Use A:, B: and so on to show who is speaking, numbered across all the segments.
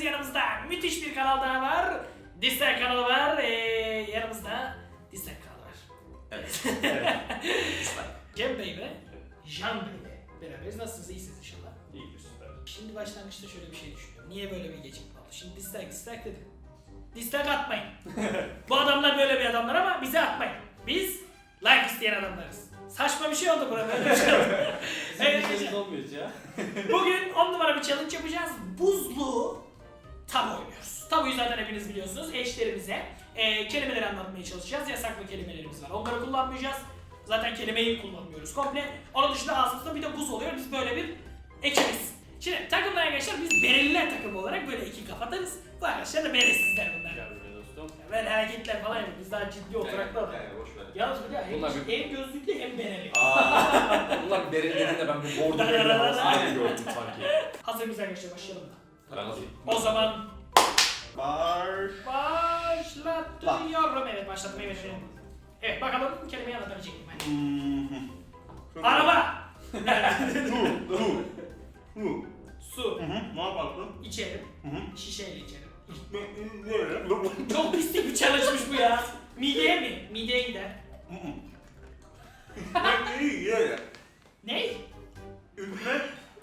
A: yanımızda müthiş bir kanal daha var. Dislike kanalı var. Yanımızda Dislike kanalı var.
B: Evet.
A: Cem Bey ve Can Bey'le beraberiz. Nasılsınız? İyisiniz inşallah.
B: İyi, süper.
A: Şimdi başlangıçta şöyle bir şey düşünüyorum. Niye böyle bir gecikme oldu? Şimdi dislike dedim. Dislike atmayın. Bu adamlar böyle bir adamlar ama bize atmayın. Biz like isteyen adamlarız. Saçma bir şey oldu burada. Böyle bir şey oldu. Evet,
B: olmuyor ya.
A: bugün 10 numara bir challenge yapacağız. Buzlu tabu oynuyoruz. Tabuyu zaten hepiniz biliyorsunuz. Eşlerimize kelimeleri anlatmaya çalışacağız. Yasaklı kelimelerimiz var. Onları kullanmayacağız. Zaten kelimeyi kullanmıyoruz komple. Onun dışında ağzımızda bir de buz oluyor. Biz böyle bir ekibiz. Şimdi takımlar arkadaşlar biz bereliler takımı olarak böyle iki kafatarız. Bu arkadaşlar da beresizler bunlar.
B: Gel buraya dostum.
A: Böyle hareketler falan yapıyoruz. Biz daha ciddi oturaklar.
B: Boş ver.
A: Yalnız bir de
C: Bunlar
A: hem gözlüklü hem bereli.
C: Bunlar benim dediğinde ben bir bordo
A: Aynen.
C: gördüm sanki.
A: Hazır mıyız arkadaşlar başlayalım mı?
C: Ben hazırım.
A: O zaman
B: Baş.
A: başlatıyorum. Evet başlattım. Evet bakalım kelimeyi anlatabilecek miyim ben? Araba. Su.
B: Ne yaparsın?
A: İçerim.
B: Hı.
A: Şişeyle içerim.
B: Ne?
A: Çok pislik bir challenge'mış bu ya. Mideye mi? Mideye gider. Ne?
B: Ülme.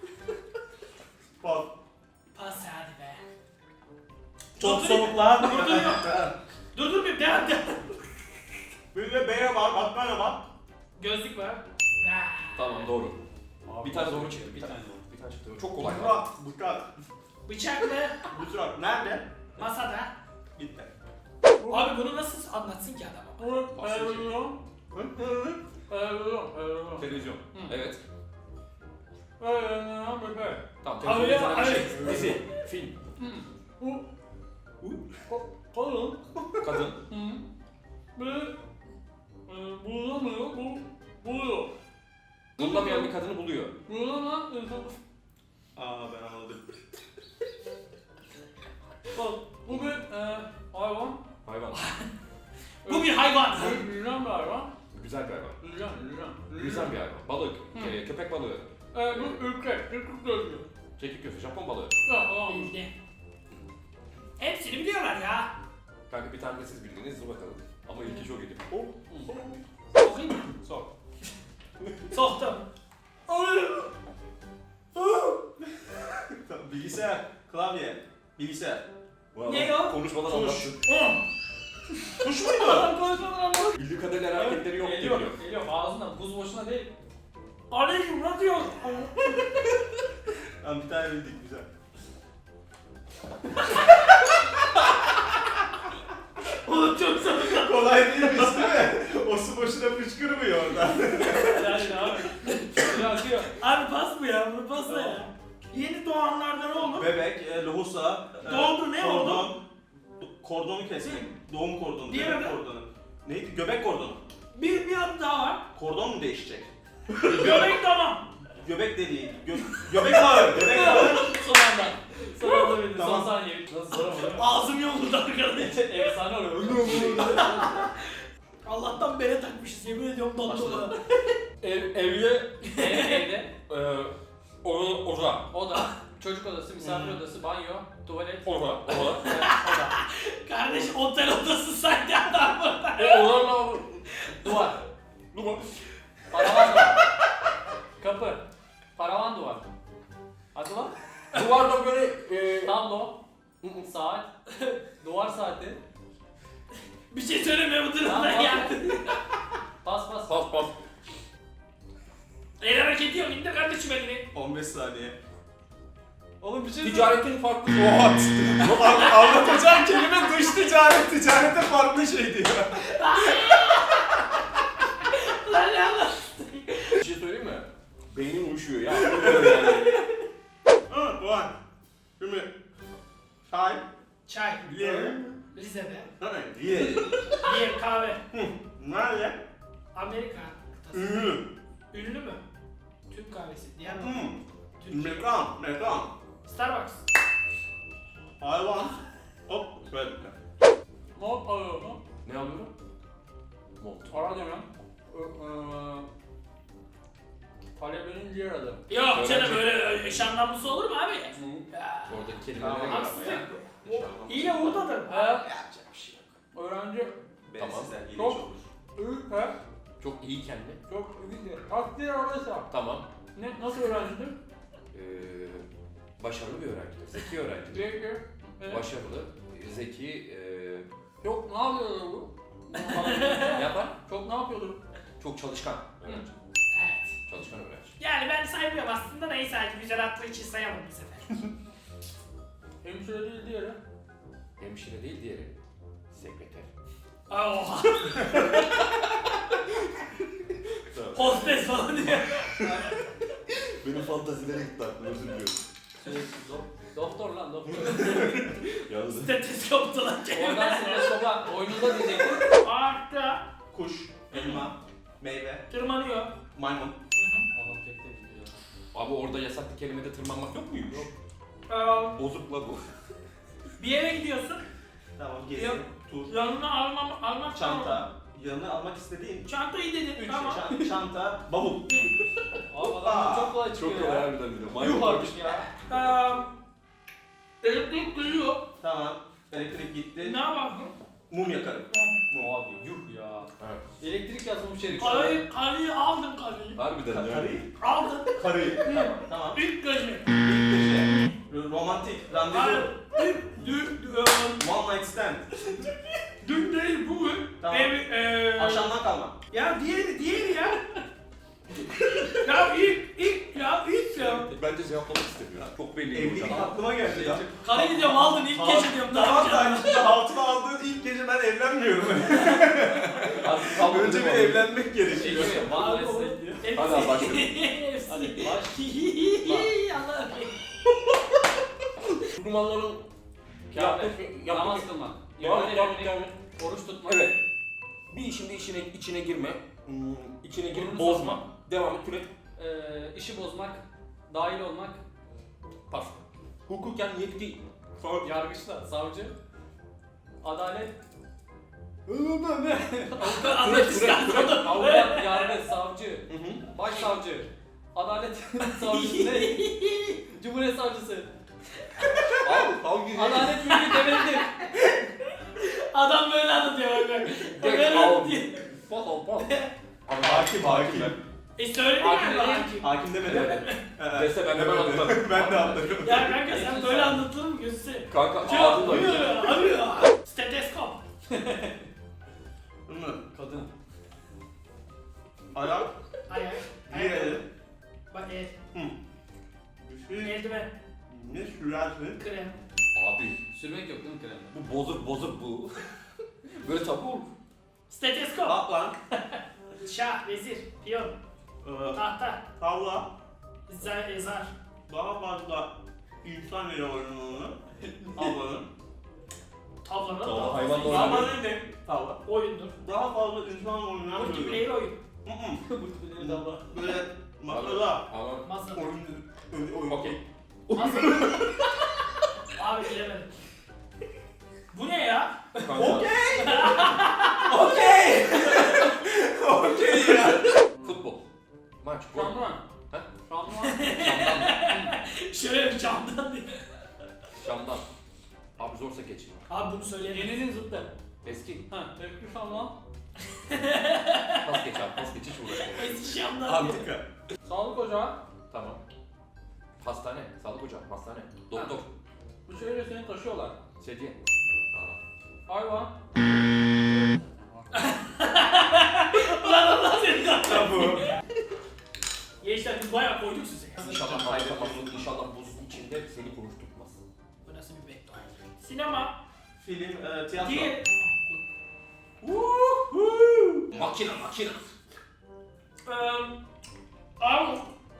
B: Bak.
A: Pas hadi be.
B: Çok soğuk lan.
A: Dur bir devam.
B: Bir de B'ye bak, Atmaya bak.
A: Gözlük var.
C: Tamam doğru.
B: Abi,
C: Bir tane doğru çıktı.
B: Bir tane doğru.
C: Bir tane çıktı. Çok kolay.
B: Bıçak, bıçak.
A: Bıçaklı
B: Bıçak. Nerede?
A: masada.
B: Gitti.
A: Abi bunu nasıl anlatsın ki adam?
C: Televizyon. Evet. Tamam
A: Abi
C: televizyon
A: ya,
C: bir şey.
A: evet.
C: Dizi. Film.
A: Kolun.
C: Kadın.
A: Buluyor.
C: Bulamayan bir kadını buluyor.
B: Aa ben anladım.
D: Bu bir hayvan.
C: Hayvan.
A: Bu bir hayvan.
D: Yüzen bir hayvan.
C: Güzel bir hayvan.
D: Yüzen.
C: Yüzen bir hayvan. Balık. Köpek balığı.
D: Bu ülke. Ülke gözü.
C: Çekik gözü. Japon balığı.
D: Ya tamam.
A: Bildi. Hepsini biliyorlar ya.
C: Kanka bir tane de siz bildiniz. Dur bakalım. Ama ilki çok iyi.
A: Sokayım mı?
C: Sok.
A: Soktum.
B: Bilgisayar, klavye, bilgisayar.
A: Ne o?
C: Konuşmadan
B: Tuş.
C: anlattın.
B: Tuş muydu?
D: Adam konuşmadan anladım.
C: Bildiği kadarıyla hareketleri yok diyor.
D: Geliyor. Ağzından buz boşuna değil.
A: Aleyküm ne diyor?
B: Tamam bir tane bildik güzel.
A: Oğlum çok zor.
B: Kolay değilmiş değil mi? O su boşuna fışkırmıyor oradan.
D: Yani abi. Akıyor.
A: Abi pas bu ya, bunu pasla ya. Yeni doğanlarda ne olur?
B: Bebek, lohusa,
A: Doğdu, ne oldu?
B: kordon, kordonu kesmek, doğum kordonu,
A: Diğer
B: bebek
A: adı?
B: kordonu. Neydi? Göbek kordonu.
A: Bir adı daha var.
B: Kordon mu değişecek?
A: Göbek tamam.
B: Göbek deliği, göbek bağı, göbek bağı.
D: Son anda. Son anda bildi. Son
B: Tamam.
D: saniye. Nasıl zor ama.
A: Ağzım yoldu arkadaş.
D: Efsane oluyor.
A: Allah'tan bere takmışız, yemin ediyorum dondu.
C: Evde
D: Evde.
C: oda.
D: Oda. Çocuk odası, misafir odası, banyo, tuvalet.
C: Oda.
D: Oda.
A: Kardeş otel odası sanki adam burada.
C: Odalarla
D: Duvar.
C: duvar.
D: Paravan duvar. Kapı. Paravan duvar. Hadi lan.
C: Duvarda böyle
D: Tablo. Saat. Duvar saati.
A: Bir şey söyleme bu durumda
D: Tamam,
A: ya.
D: Pas.
C: pas pas.
A: El hareketi yok, indir kardeşim elini.
B: 15 saniye.
D: Oğlum bir şey
C: Ticaretin farklı.
B: What? Anlatacağım kelime dış ticaret, ticarete farklı şey diyor.
A: Lan ne Allah.
C: Bir şey söyleyeyim mi? Beynim uyuşuyor ya. Yani.
B: Evet, var. Şimdi, çay,
A: Çay.
B: Yer.
A: Rize'de.
B: Ye.
A: Bir kahve.
B: Nerede?
A: Amerika kıtası.
B: Ünlü.
A: Ünlü mü? Türk kahvesi. Diğer Türkiye.
B: Mekan.
A: Starbucks.
B: Hayvan. Hop, böyle.
D: Mont alıyorum.
C: Ne alıyorum? Mont.
D: Para demiyorum. Talebenin diğer adı.
A: Yok canım
C: Öğrenci.
A: böyle eş anlamlısı olur mu abi? Ya,
C: Oradaki kelimelere
B: Tamam,
C: göre ama
A: haksızlık
C: ya.
A: bu. İyi oradadır.
D: He.
C: Yapacak bir şey yok.
D: Öğrenci.
C: Tamam.
B: Sizden ilginç
D: Çok-
B: olur.
D: He.
C: Çok iyi kendi.
D: Çok iyi. Takdir alırsa.
C: Tamam.
D: Nasıl öğrencidir?
C: Başarılı bir öğrencidir. Zeki öğrencidir.
D: Peki. Evet.
C: Başarılı, zeki,
D: Çok ne yapıyordur bu?
C: yapar.
D: Çok ne yapıyordur?
C: Çok çalışkan öğrenci.
A: Evet.
C: Çalışkan öğrenci.
A: Yani ben saymıyorum aslında neyse hadi güzel attığı için sayamam bu sefer.
D: Hemşire değil diğeri.
C: Hemşire değil diğeri. Sekreter.
A: Oha. Hostes falan diyor.
C: Benim fantazilere gitti aklım, özür diliyorum.
D: Doktor lan doktor.
C: Yalnız.
A: Stetoskoptu lan
D: Oradan
A: kelime.
D: stereskopa oyununda diyecektim.
A: Ağaçta
B: Kuş, elma, meyve,
A: tırmanıyor.
B: maymun.
D: Adam tek tek gidiyor.
C: Abi orada yasaklı kelimede tırmanmak yok muymuş?
D: Yok.
C: Bozuk la bu.
A: Bir yere gidiyorsun.
B: Tamam,
A: Yok.
B: gezi, tur,
A: Yanına almak
B: çanta. Yanına almak istediğin
A: Çantayı dedin.
B: üç
A: Tamam.
B: şey. Çanta, bavul.
D: Abi adam çok kolay çıkıyor
C: Çok kolay
D: ya.
C: harbiden bir de.
D: Yuh
C: Maymun
D: artık ya.
A: Elektrik duyuyor.
B: Tamam. Elektrik gitti.
A: Ne yaparsın?
B: Mum yakarım. Mum.
D: Abi yuh ya.
C: Evet.
D: Elektrik yazılmış herif.
A: Karıyı aldın karıyı.
C: Harbiden ya.
B: Karıyı.
A: Aldın.
B: Karıyı. Tamam. Tamam.
A: İlk gece.
B: İlk gece. Romantik. Randevu. One night stand.
A: Dün değil bugün.
B: Tamam. Akşamdan kalma.
A: Ya diğeri ya. Ya ilk ya.
C: Bence cevaplamak istemiyor. Çok belli
B: Evlilik
C: hocam.
B: aklıma geldi ya.
A: Karıyı diyorum aldın ilk gece diyorum. Ne
B: Tamam
A: yapacaksın?
B: da altına aldığın ilk gece ben evlenmiyorum.
D: Artık kalmadı
B: Önce bir
D: değil mi?
B: evlenmek gerekiyor.
D: Şey gibi, One Night Stand diyor.
C: Hadi abi başlayalım.
D: Hadi baş.
A: Allah'ım.
C: Kurmanların
D: Kâhmet. Namaz kılmak.
C: Devam
D: Yemin
C: devam
D: etmek.
C: devam.
D: Oruç tutmak.
C: Evet. Bir işinde içine girme. İçine girip
D: Burnunu
C: bozma.
D: sokma.
C: Devam et türet.
D: İşi bozmak. Dahil olmak.
C: Pas. Hukuken yetki.
D: Yargıçta. Savcı. Adalet. Avukat, yargıç, savcı. Başsavcı. Adalet savcısı ne? Cumhuriyet savcısı.
C: Hangi?
D: Adalet mülkü devlettir.
A: Adam böyle anlatıyor bak. Böyle
C: Al.
A: anlatıyor.
C: Pas al pas.
B: Hakim.
A: Söyledin
D: Hakim
A: galiba
D: değil.
A: hakim.
B: Hakim demedi.
C: Evet. Dese ben hemen atlarım.
B: Ben de atlarım.
A: Ya kanka sen böyle anlatılır mı gözü?
C: Kanka
A: Cevap
C: ağzınla
A: arıyor. Steteskop.
D: Kadın.
B: Ayak.
A: Ayak.
B: Diğeri.
A: Bak el.
B: Bir şey.
A: Eldiven.
B: Ne sürersin?
A: Krem.
C: Abi
D: Sürmek yok değil mi kremde?
C: bu bozuk bu. Böyle tabu olur.
A: Steteskop.
B: Atlan.
A: Şah, vezir, piyon, tahta,
B: Tavla.
A: zar.
B: Daha fazla insan ile oyununu. Tavlanın.
A: Tavlanın
C: Tavla,
A: daha
C: hayvan
A: fazla
C: da
A: insan-
B: Tavla ne? Tavla.
A: Oyundur.
B: Daha fazla insan oynayan bir oyun.
A: Multiplayer oyun.
B: Böyle masada.
C: Ama
A: Masa.
B: Oyun.
C: okey.
A: Masa. Abi bilemedim. Bu ne ya?
C: Kanka.
B: Okey. Okey. Okey ya.
C: Futbol. Maç. Gol.
D: Şampuan.
C: Ha?
D: Şampuan.
C: Şam'dan.
A: Şöyle bir camdan diye.
C: Şam'dan. Abi zorsa geç.
A: Abi bunu söyleyelim.
D: Yeninin zıttı.
C: Eski.
D: Ha, tepki şampuan.
C: Pas geç abi. Pas geç hiç uğraşma.
A: Eski camdan diye.
B: Antika.
D: Sağlık ocağı.
C: Tamam. Hastane. Sağlık ocağı. Hastane. Doktor.
D: Bu şöyle seni taşıyorlar.
C: Sedye.
D: Hayvan.
A: Ulan Allah seni kahretsin.
B: Tabu.
A: Gençler biz bayağı koyduk size.
C: İnşallah kaybetmezsin. İnşallah buzun içinde seni konuşturmaz.
A: Bu nasıl bir beddua? Sinema.
B: Film, tiyatro.
A: Diğer.
C: Makine.
A: Arok.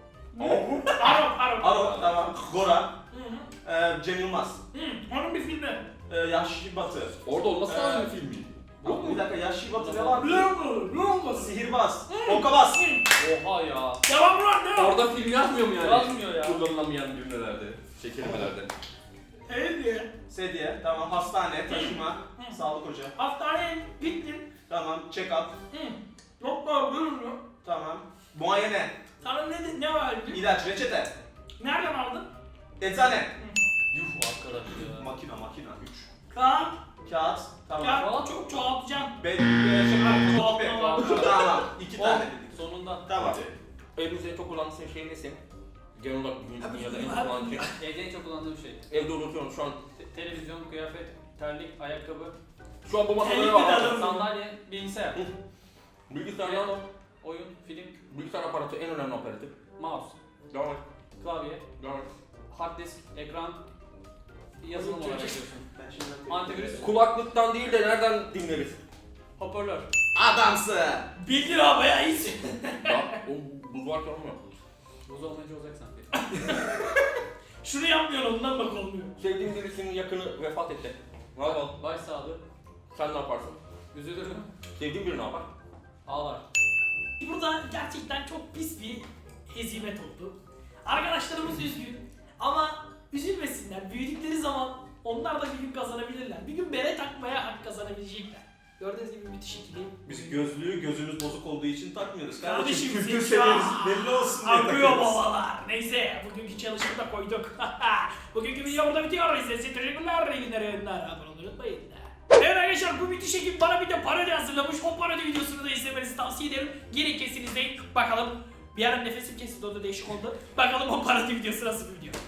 B: Aro, tamam. Gora.
A: Hı hı.
B: Cem Yılmaz.
A: Hı, onun bir filmi.
B: Yaşlı Batı.
C: Orada olması lazım bir filmi.
B: Yok bir dakika, Yaşlı Batı ne var?
A: Ne oldu?
B: Sihirbaz. Okabaz.
D: Oha ya.
A: Devam lan ne o?
C: Orada film yazmıyor mu yani?
D: Yazmıyor ya.
C: Kullanılamayan cümlelerde. Kelimelerde.
A: Evet diye.
B: Sedye. Tamam. Hastane. Taşıma. Sağlık ocağı.
A: Hastaneye gittin.
B: Tamam. Check up.
A: Hı. Doktor görünüyor.
B: Tamam. Muayene.
A: Sana ne var?
B: İlaç, reçete.
A: Nereden aldın?
B: Eczane.
D: Yuh arkadaş ya.
B: Makina. 3.
A: Kağıt.
B: Kağıt. Tamam.
A: Ya çok çoğaltacağım.
B: Tamam. 2 tane dedik.
D: Sonunda.
B: Tamam.
C: Evimizde en çok kullandığın şey nesi? Genel olarak dünyada en çok kullandığın şey.
D: Evde en çok kullandığım şey.
C: Evde unutuyorum şu an.
D: Televizyon, kıyafet, terlik, ayakkabı,
C: Şu an bu masada
A: Terlik
C: ne var?
A: de
C: abi?
A: alırım.
D: sandalye, bilgisayar.
C: Bilgisayardan
D: Telefon, oyun, film,
C: bilgisayar aparatı en önemli aparatif.
D: mouse,
C: Devam et.
D: klavye,
C: Devam et.
D: hard disk, ekran, yazılım olarak yapıyorsun.
B: Ben şimdi
D: Antivirüs,
C: Kulaklıktan değil de nereden dinleriz?
D: hoparlör.
B: Adamsın.
A: Bildin abi bayağı iyisin.
C: Ya o buz varken olmuyor.
D: Buz olmayınca olacak sanki.
A: Şunu yapmıyorsun ondan bak olmuyor.
C: Sevdiğin birisinin yakını vefat etti. Ne yapalım?
D: Başsağlığı,
C: Sen ne yaparsın?
D: üzülürüm,
C: Sevdiğin biri ne yapar?
D: ağlar.
A: Burada gerçekten çok pis bir hezimet oldu. Arkadaşlarımız üzgün ama üzülmesinler. Büyüdükleri zaman onlar da bir gün kazanabilirler. Bir gün bere takmaya hak kazanabilecekler. Gördüğünüz gibi müthiş ikili.
B: Biz gözlüğü gözümüz bozuk olduğu için takmıyoruz.
A: Kardeşim,
B: Kültür
A: zeka.
B: seviyemiz belli olsun diye
A: Akıyor
B: takıyoruz.
A: babalar. Neyse bugünkü çalışımı da koyduk. Bugünkü video burada bitiyor. İzlediğiniz için teşekkürler. İyi günler, yayınlar. Abone olmayı unutmayın. Evet arkadaşlar bu müthiş ekip bana bir de parodi hazırlamış. O parodi videosunu da izlemenizi tavsiye ederim. Gelin kesin izleyin. Bakalım bir ara nefesim kesildi, o da değişik oldu. Bakalım o parodi videosu nasıl bir video.